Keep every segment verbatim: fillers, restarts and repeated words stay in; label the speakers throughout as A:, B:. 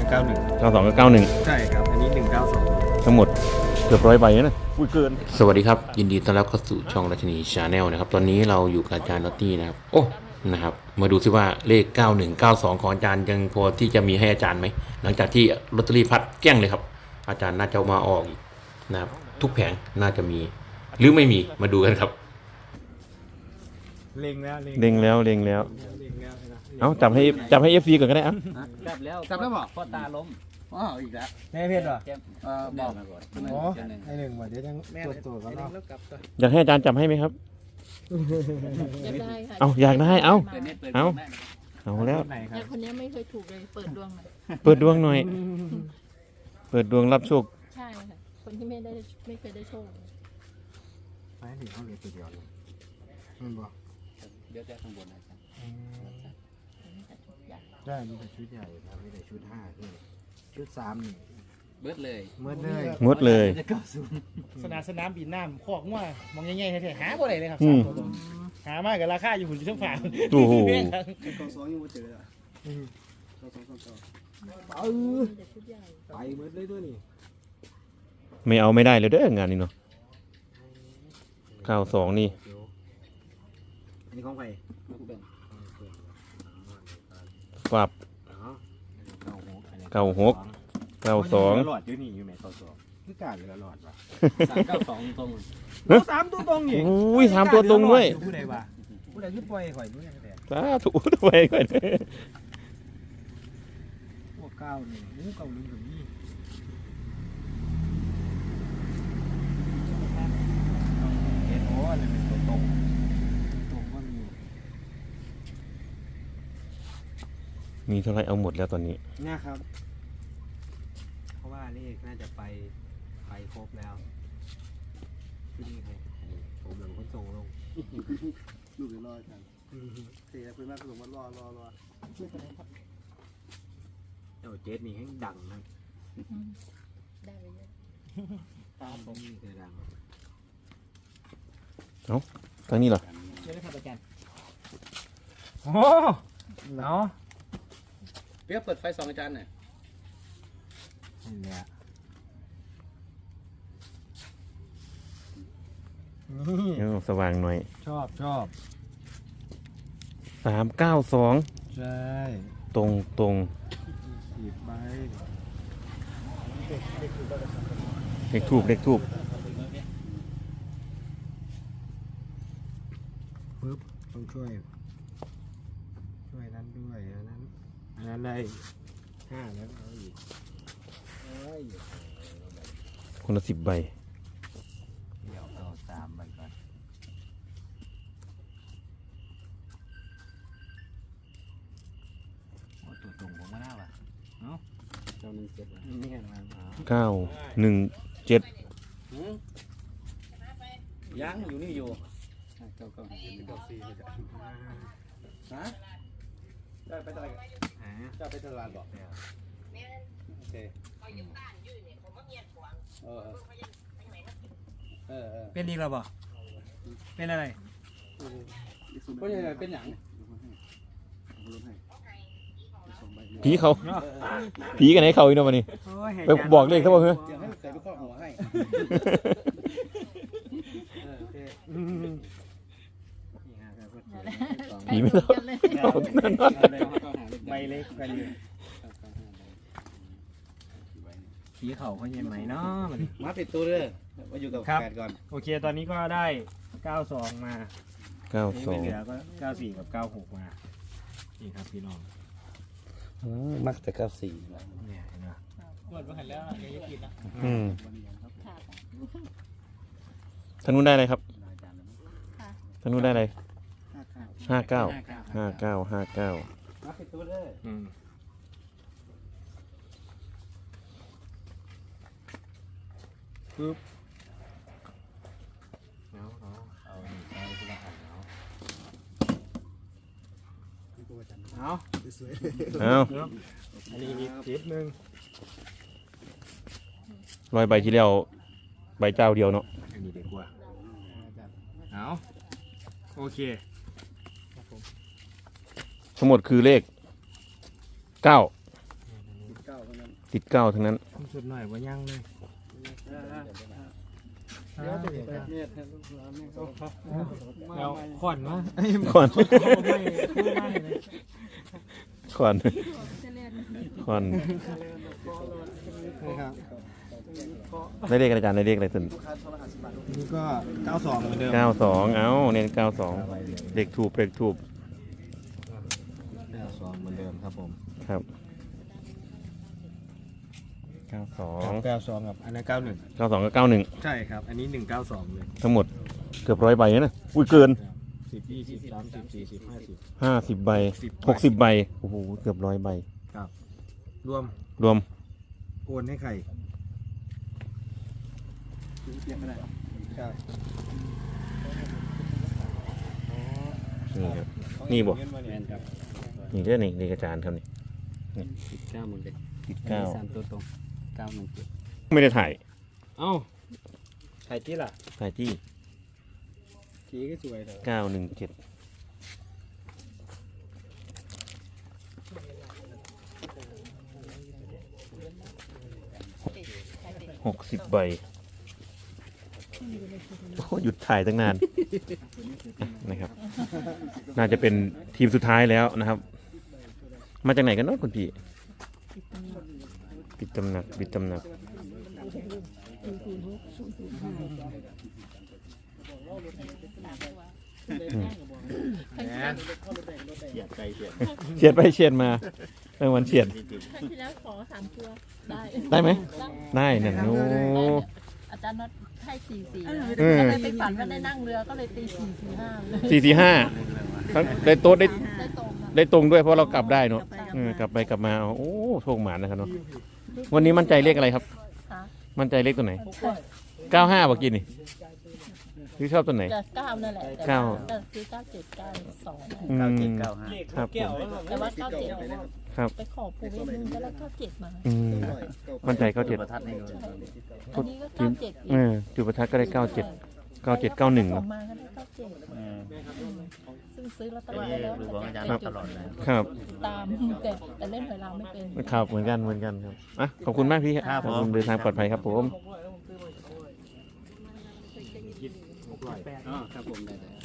A: เก้าหนึ่ง
B: เก้าสองกับเก้าหนึ่ง
A: ใช่ครับอันนี้หนึ่งเก้าสอง
B: ทั้งหมดเกือบร้อยใบนะอุ้ยเกิน
C: สวัสดีครับยินดีต้อนรับเข้าสู่ช่องราชนีชาแนลนะครับตอนนี้เราอยู่กับอาจารย์ลอตตี้นะครับโอ้นะครับมาดูซิว่าเลขเก้าหนึ่งเก้าสองของอาจารย์ยังพอที่จะมีให้อาจารย์ไหมหลังจากที่ลอตเตอรี่พัดแกล้งเลยครับอาจารย์น่าจะมาออกอีกนะครับทุกแผงน่าจะมีหรือไม่มีมาดูกันครับ
A: เล็งแล้ว
B: เล็งแล้วเล็งแล้ว
A: เล็งแล้วนะ
B: เอาจับให้จับให้เอฟซีก่อนก็ได้อ่ะ
D: จับแล้ว
A: จับแล้วบอก
D: พ่อตาล้มอ้าวอีกแล้ว
A: แม่เพชรเหรอ
D: เจ็บ
A: เออบอก
D: มาก่อน
A: โอ้ไอหนึ่งว่ะเดี๋ยวยังตรวจตัวกันเนาะ
B: อยากให้อาจารย์จับให้ไหมครับ
E: อยากได้ค่ะ
B: เอาอยากได้เอา
D: เปิดเน็ตเปิด
B: เอา
D: แม่
B: เอาแล้ว
A: ไหนครั
E: แต่
A: บ
E: คนนี้ไม่เคยถูกเลย เปิดดวงหน่อย
B: เปิดดวงหน่อย เปิดดวงรับโชค
E: ใช่ค่ะ คนที่ไม่ได้ไม่เคยได้โชค
A: ไปถึงเขาเหลือตัวเดียวเลยมันบอก
D: เดี๋ยวจะข้างบนนะอาจารย์
A: ได้มีแต่ชุดใหญ่ครับมีแต่ชุดห้าที่ชุดสามนี่
D: เบิดเลย
A: เมื่อเลย
B: งดเลย
D: จะเข้าศูนย์
F: สนามสนามบินน้ำคอกมั่วมองง่ายๆแท้ๆหาบ่ได้เลยครับ
B: อื
F: สาม
B: ม
F: ตัวตรงหามากกับราคาอยู่หุ่นช่างฝา
B: โอ้โห
F: แพงครับ
A: กองสองยังไม่เจออ่ะกองสองกองสองเออ
E: มีแต่ชุดใหญ่
A: ไปเมื่อเลยด้วยนี่
B: ไม่เอาไม่ได้เลยเด้องานนี้เนาะเก้าสองนี่
A: อันนี้ของใคร
B: ฝับเก้าหกเก้าสอง
A: หลอดอยู่นี่อยู่ไหนเก้าสองคือกาดเหลือหลอดวะ
D: สามเก้าสองตรง
A: สามตัวตรงนี่
B: อุ้ยสามตัวตรงด้วย
A: ผู้ใดวะผู้ใดที่ปล่อยข่อยด้วยแต่
B: สาธุด้วยก่อน
A: พวกเก้าหนึ่งงูเก้าหนึ่งกับนี่เอ็นโอ้อะไรเป็นตัวตรงตรงก็มี
B: มีเท่าไรเอาหมดแล้วตอนนี้
A: นะครับ เพราะว่าเลขน่าจะไปไปครบแล้วที่นี่ใครผมเหมือนคนส่งลง
G: ลูกเดี๋ยวรอกันเสียเพื่อนแม่ผสมมารอรอรอ
A: เจ้าเจสนี่ให้ดังนะ
E: ได้ไปเยอะ
A: ตามผมนี่คือดัง
B: ตอนนี้เหรอ
F: เดี๋ยวได้ครับอาจารย์
A: โอ้เนาะ
D: เปียกเปิดไฟสองอาจารย์หน่อย
A: นี่แหละนี่
B: เอาสว่างหน่อย
A: ชอบชอบ
B: สามเก้าสอง
A: ใช่
B: ตรงตรง
A: สิบใบ
B: เลขทูบเลขทูบ
A: ปึ๊บต้องช่วย ช่วยนั้นด้วยอันนั้นอันนั้นได้ห้าแล้วเอาอีกเอ้ย
B: คนละสิบใบ
A: เดี๋ยวเอาสามใบก่อนโอ้ตัวตรงผมก็น่าว่ะเนาะ
D: เจ้าหนึ่งเจ็ด
A: นี่ไงมา
B: เก้าหนึ่งเจ็ด
D: ยังอยู่นี่อยู่เก้าเก้า
G: เก้าสี่เลยจ้ะ
D: ฮะ
G: ได้ไปตลาด
A: หา
G: จะไปตลาดบอกโอเคเออเออเออ
A: เป็นอีกแล้วบ่เป็นอะไร
D: เพราะยังไงเป็นหยัง
B: ผีเขาผีกันไหนเขาอีกเนาะวันนี้
A: โอ้ย
B: ไปบอกเลขเขาบอกเฮ้ย
G: เดี๋ยวให้เคยไปครอบหัวให้เออโอเค
A: อืม
B: ผีไม่ต้อง
E: เลย
A: ใบเล็กกันอยู่ผีเขาเขาเย็นไหมเนาะมัน
G: มาปิดตัวเลยมาอยู่กับ
A: ครับ
G: แฟนก่อน
A: โอเคตอนนี้ก็ได้เก้าสองมา
B: เก้า
A: นี่
B: สอ
A: ไม่
B: ง
A: เหลือก็เก้าสี่กับเก้าหกมานี่ครับพี่น้อง
G: มักแต่เก้าสี่
A: เนี่ยเห็นไหม
F: เปิดมาหันแล้วเดี๋ยวจะกินนะ
B: อืม
E: ค่ะ
B: ท่านนู้นได้อะไรครับ
E: ค่ะ
B: ท่านนู้นได้อะไร
G: ห้าเก้า
B: ห้าเก้าห้าเก้าห้าเก้า
G: มาปิดตัวเลย
A: อืมปึ๊บเอาเอาเอาหนึ่งใส่ทีละอันเอาเอา
G: สวย
B: เอา
A: อันนี้อีกทิศหนึ่ง
B: ร้อยใบที่แล้วใบเจ้าเดียวเนาะ
A: อันนี้ดีกว่าเอาโอเค
B: ทั้งหมดคือเลขเก้า
G: เก้าเท่านั้น
B: ติดเก้าทั้งนั้น
A: สุดหน่อยว่ายังเลย
G: เดี๋ยวจะไปเมียดให้ลูกหลานนี่เขา
A: เอาขอนวะ
B: ก่อน
A: ไม่ไม่เลย
B: ก่อน
E: จะเล่น
B: ก่อน
A: ครับ
B: ได้เลขอะไรอาจารย์ได้เลขอะไรสุด
A: นี่ก็เก้าสองเหมือนเดิม
B: เก้าสองเอ้าเน้นเก้าสองเลขถูกเลขถูก
A: เก้าสองเหมือนเดิมครับผม
B: ครับเก้าสอง
A: เก้าสองกับอันนั้นเก้าหนึ่ง
B: เก้าสองกับเก้าหนึ่ง
A: ใช่ครับ อันนี้หนึ่งเก้าสองเลย
B: ทั้งหมดเกือบร้อยใบนะอุ้ยเกิน
A: สิบยี่สิบสามสิบสี่สิบห้าสิบ
B: ห้าสิบใบหกสิบใบโอ้โหเกือบร้อยใบ
A: รวม
B: รวม
A: โอนให้ใคร
G: เปลี่ยนก็ได้ครับ
B: นี่ครับนี่บอก
D: แมนครับ
B: นี่เรื่องนี่นี่อาจารย์ครับนี่
D: สิบเก้าหมดเลย
B: ติดเก้า
D: สามตัวตรงเก้าหนึ่งเจ็ด
B: ไม่ได้ถ่าย
A: เอ้าใครที่ล่ะ
B: ถ่ายที่
A: ทีก็สวยเลย
B: เก้าหนึ่งเจ็ดหกสิบใบโอ้หยุดถ่ายตั้งนาน นะครับ น่าจะเป็นทีมสุดท้ายแล้วนะครับ มาจากไหนกันเนาะคุณพี่ปิดตำหนักปิดตำหนักอืม
A: เฉียดใจเฉียด
B: เฉียดไปเฉียดมาเมื่อวันเฉียด
E: ครั้งที่แล้วขอสามตัวได้
B: ได้ไหม
E: ได้
B: ได้นั่นโอ้
E: อาจารย์น็อตให้สี่สี่
B: อืม
E: ก็เลยไปฝันว่าได้นั่งเรือก็เลยตีสี่สี่ห้าเลย
B: สี่สี่ห้าได้โต๊ะได้
E: ได้ตรงอะ
B: ได้ตรงด้วยเพราะเรากลับได้เนาะเออกลับไปกลับมาโอ้โชคหมานนะครับเนาะวันนี้มั่นใจเลขอะไรครับ
E: ค่ะ
B: มั่นใจเลขตัวไหนเก้าห้าบอกกินนี่หรือชอบตัวไหน
E: จะเก้านั่นแหละแต่
B: เก้า
E: ว่าจะซื้อเก้าเจ็ดเก้าสอง
B: อืม
D: เก้าเจ็ดเก้าห้า
B: ครับผม
E: แต่ว่าเก้าเจ็ด
B: ครับ
E: ไปขอปู่เวทนึงก็แล้วเก้าเจ็ดมา
B: อืมมั่นใจเก้าเจ็ด
D: ประทัดให้ดู
E: อันนี้ก็เก้าเจ็ดอี
B: เอก อจุดประทัดก็ได้เก้าเจ็ดเก้าเจ็ดเก้าหนึ่ง
E: สองมาก็ได้เก้าเจ็ดซึ่งซื้อลอตเตอรี่ไว้แล้ว
D: ดูของอาจารย์
B: ครับ
D: ตลอดเลย
B: ครับ
E: ตามแต่แต่เล่นหวยเราไม่เป็น
B: ครับเหมือนกันเหมือนกันครับอ่ะขอบคุณมากพี่ครับขอบคุณเดินทางปลอดภัยครับผม
D: อ๋อครับผมได้เลย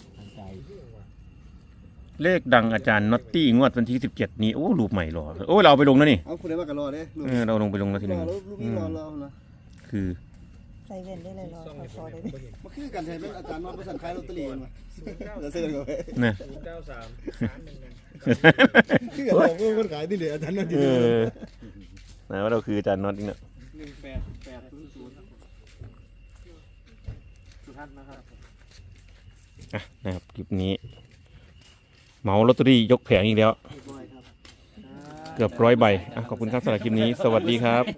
B: เลขดังอาจารย์น็อตตี้งวดวันที่สิบเจ็ดนี้โอ้รูปใหม่หรอโอ้ยเราเอาไปลงแล้วนี่
G: เอาคุณได้มากระรอเด้ลูก
B: เออเราลงไปลงแล้วที
G: ร
B: นึ
G: อง แล้วลูกนี่รอรอนะ
B: คือ
E: ใส่เว้นได้เลยรอขอได้ไหม
G: มาคือกันใช่เป็นอาจารย์มาประสานขายลอตเตอรี่มาเดี๋ยวซื้อกันไป
B: นะ
A: เก้าสามสามหนึ่ง
G: คือกันบอกว่าคนขายที่เหลืออาจารย์นั่นดี
B: เออนะว่าเราคืออาจารย์น็อตนี่เนอะ
A: หนึ่งแปดแปดศูนย์ศูนย์สุทัศน์นะครับ
B: อ่ะนะครับคลิปนี้เหมาลอตเตอรี่ยกแผงอีกแล้ว เกือบร้อยใบอ่ะขอบคุณครับสำหรับคลิปนี้ สวัสดีครับ